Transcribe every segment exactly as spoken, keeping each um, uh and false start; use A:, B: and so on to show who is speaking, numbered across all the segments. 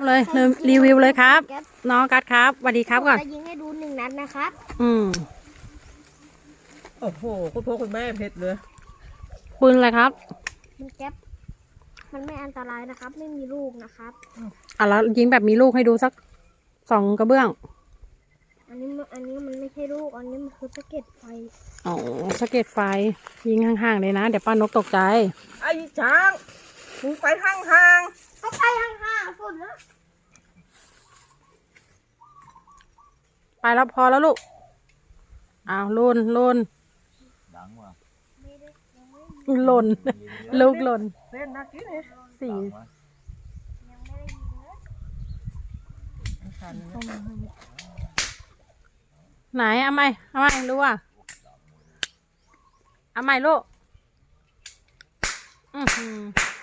A: เลยรีวิวเลยครับน้องกัดครับสวัสดีครับก่อน
B: จะยิงให้ดูหนึ่งนัดนะครับ
A: อืม
C: โอ้โหคุณพ่อคุณแม่เพชรเลย
A: ปืนอะไรครับ
B: มันแก๊ปมันไม่อันตรายนะครับไม่มีลูกนะครับ
A: อ่ะแล้วยิงแบบมีลูกให้ดูสักสองกระเบื้อง
B: อันนี้อันนี้มันไม่ใช่ลูกอันนี้มันคือสะเก็ดไฟ
A: อ๋อสะเก็ดไฟยิงห่างๆเลยนะเดี๋ยวป้านกตกใจ
C: ไอ้ช้างมึงไปห่าง
B: ๆก็ไปห่างๆสุดแล้ว
A: ไปแล้วพอแล้วลูกอ้าวลุนลุน
D: ดังว่ะ
A: หล่นลูกหล่น
C: เล่นนักกี้เลย
A: สี่ไหนเอาไหมเอาไหมรู้อ่ะเอาไหมลูกอือหือ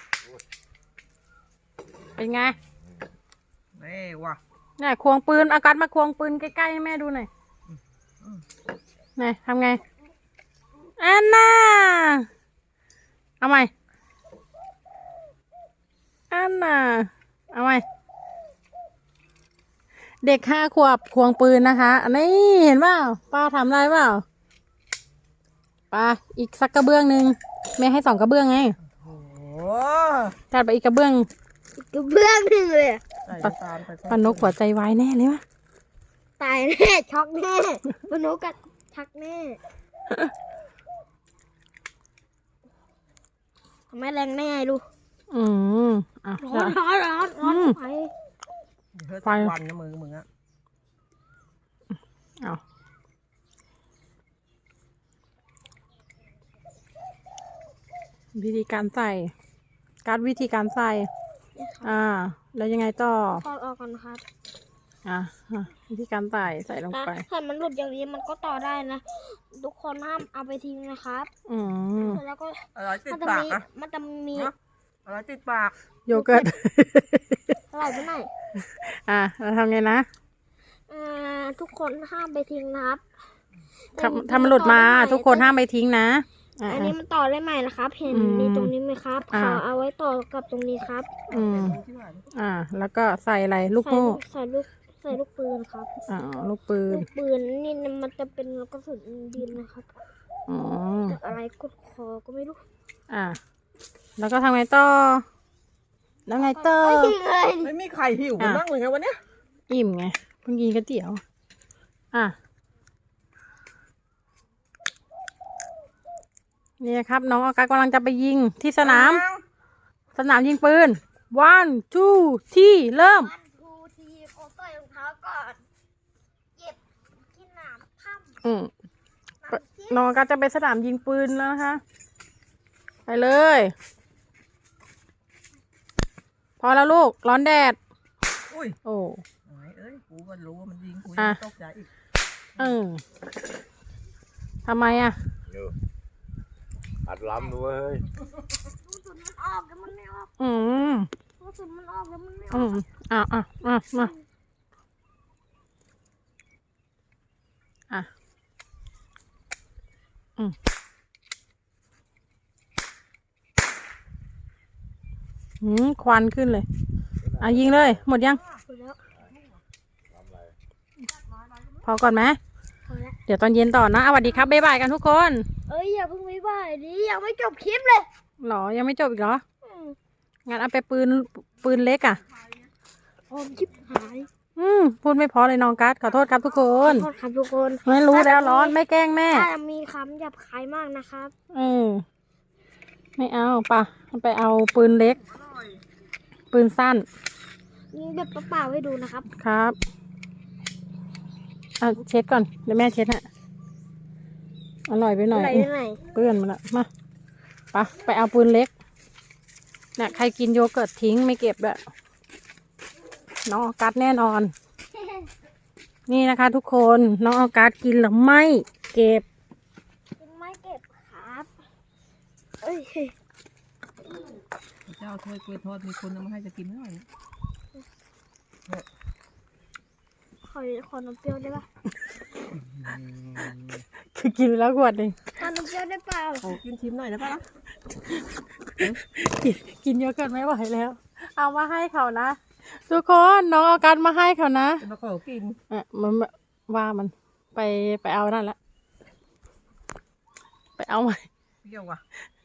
A: เป็นไง
C: นี่ว่ะ
A: เนี่ยควงปืนอากัดมาควงปืนใกล้ๆให้แม่ดูหน่อยไหนทำไงอันน่าเอาไหมอันน่าเอาไหมเด็กห้าขวบควงปืนนะคะนี่เห็นเปล่าป้าทำได้เปล่าป้าอีกสักกระเบื้องหนึ่งแม่ให้สองกระเบื้องไง
C: โอ้
A: จัดไปอีกกระเบื้อง
B: อีกกระเบื้องหนึ่งเลย
A: ปานกหัวใจวายแน่เลยวะ
B: ตายแน่ช็อกแน่ปานกกัดชักแน่ทำไมแรงแน่ลูก
A: อืมอ่ะ
B: ร้อนร้อนร้อนร้อนไฟ
C: ไฟวันนะมือมึงอะ
A: เอาวิธีการใส่การวิธีการใส่อ่าแล้วยังไงต่อ
B: ถอดออกก่อนครับ
A: อ่ะวิธีการใส่ใส่ลงไป
B: ถ้ามันหลุดอย่างนี้มันก็ต่อได้นะทุกคนห้ามเอาไปทิ้งนะครับ
A: อืม
B: แล้วก็
C: อะไรติดปากอะ
B: มันจะมี
C: อะไรติดปาก
A: โยเกิร์ต
B: อะไรไปไหน
A: อ่ะเราทำไงนะ
B: อ่าทุกคนห้ามไปทิ้งนะครับ
A: ทำทำมันหลุดมาทุกคนห้ามไปทิ้งนะ
B: อันนี้มันต่อได้ใหม่นะครับเห็นในตรงนี้ไหมครับขอเอาไว้ต่อกับตรงนี้ครับ
A: อืมอ่าแล้วก็ใส่อะไรลูกโม่
B: ใส่ลูกใส่ลูกปืนครับ
A: อ่าลูกปืน
B: ลูกปืนนี่มันจะเป็นกระสุนดินนะครับ
A: อ๋อ
B: อะไรกดคอก็ไม่รู้
A: อ่าแล้วก็ทำไงต่อแล้วไงต่อ
C: ไม่มีใครหิวกันบ้างเลยไงวันนี้
A: อิ่มไงเพิ่งกินก๋วยเตี๋ยวอ่ะนี่ครับน้องอากาศกำลังจะไปยิงที่สนามสนามยิงปืน one two ที่เริ่ม
B: one two ที่โอ้ใส่รองเท้าก่อนเก็บที่หนามถ้ำ
A: อืมน้องอากาศจะไปสนามยิงปืนแล้วนะคะไปเลยพอแล้วลูกร้อนแดด
C: อุ้ย
A: โอ้
C: เอ้ยกูก็รู้ว่ามันยิงกู
A: ยัง
C: ตกใจอีก
A: เออทำไมอ่ะ
D: อัดล้ำด้วย
B: กระสุนมันออกแล้วมันไม่ออก
A: อืม
B: กระสุนมันออกแล้วมันไม่อ
A: อกอืมอ่ะอ่ะอ่ะมาอ่ะอืมหืมควันขึ้นเลยอ่ะยิงเลยหมดยังพอก่อนไหมเดี๋ยวตอนเย็นต่อนะสวัสดีครับบ๊ายบายกันทุกคน
B: เอ้ยอย่าเพิ่งบ๊ายบายดิยังไม่จบคลิปเลย
A: หรอยังไม่จบอีกเหรองั้นเอาไปปืนปืนเล็กอ่ะ
B: โอมชิบหาย
A: อืมพูดไม่พอเลยน้องกัสขอโทษครับทุกคน
B: ขอโทษครับทุกคน
A: ไม่รู้แล้วร้อนไม่แกล้งแม่
B: ถ้ามีคำหยาบคายมากนะครับ
A: เออไม่เอาป่ะไปเอาปืนเล็กปืนสั้น
B: ยิงแบบเปล่าๆให้ดูนะครับ
A: ครับอ่ะเช็ดก่อนเดี๋ยวแม่เช็ดฮะอร่อยไปหน่อยเปื้อนมาละมาไปไปเอาปืนเล็กเนี่ยใครกินโยเกิร์ตทิ้งไม่เก็บแบบน้องออกัสแน่นอนนี่นะคะทุกคนน้องออกัสกินหรือไม่เก็บ
B: ไม่เก็บครับเอ้ย
C: เจ้าถ้วยกล้วยทอดมีคนเอามาให้จะกินหน่อย
B: ขอขอนมเปรี้ยวได้ปะ
A: คือกินแล้วขวดหนึ่ง
B: ขอนมเปรี้ยวได้เปล่า
C: โอ้กินชิมหน่อยได้ปะ
A: กินกินโยเกิร์ตไม่ไหวแล้วเอามาให้เขานะทุกคนน้องเอาการมาให้เขานะ
C: จะมาขอกิน
A: อ่ะมันว่ามันไปไปเอานั่นละไปเอาใหม่
C: เปรี้ยวว่ะ
A: เ